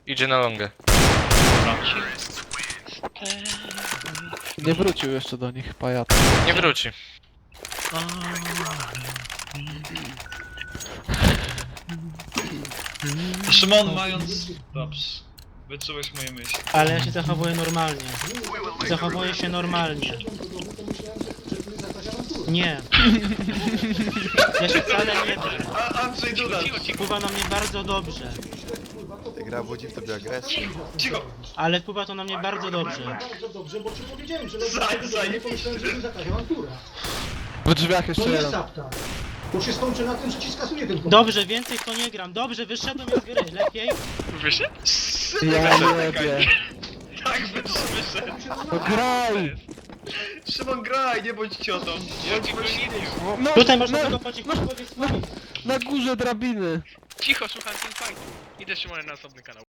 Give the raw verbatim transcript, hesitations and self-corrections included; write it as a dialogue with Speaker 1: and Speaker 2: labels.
Speaker 1: Idzie na longę.
Speaker 2: Nie wrócił jeszcze do nich, pajat.
Speaker 1: Nie wróci.
Speaker 3: Szymon mając... Dobrze. Wyczułeś moje myśli.
Speaker 4: Ale ja się zachowuję normalnie. Zachowuję się normalnie. Nie. Ja się wcale nie drę.
Speaker 3: A Andrzej Duda!
Speaker 4: Wpływa na mnie bardzo dobrze.
Speaker 5: Ta gra budzi w tobie agresję.
Speaker 3: Cicho!
Speaker 4: Ale wpływa to na mnie bardzo dobrze.
Speaker 6: Bardzo dobrze, bo ci powiedziałem, że
Speaker 3: Zaj- zaj-
Speaker 6: nie pomyślałem, że to jest jakaś awantura.
Speaker 2: W drzwiach jeszcze
Speaker 6: To nie
Speaker 2: jeden.
Speaker 6: sapta. To się skończy na tym, że ci skasuje ten
Speaker 4: Dobrze, więcej w to nie gram. Dobrze, wyszedłem z gry. Lepiej?
Speaker 3: Wyszedł?
Speaker 2: Ja nie wiem.
Speaker 3: Tak, wyszedł.
Speaker 2: No graj!
Speaker 3: Szymon, graj, nie bądź ciotą.
Speaker 1: Ja ci go nie wiem.
Speaker 2: No,
Speaker 4: Tutaj można
Speaker 2: na,
Speaker 4: tego pociągnąć.
Speaker 2: na górze drabiny.
Speaker 1: Cicho, słucham ten fight. Idę Szymonem na osobny kanał.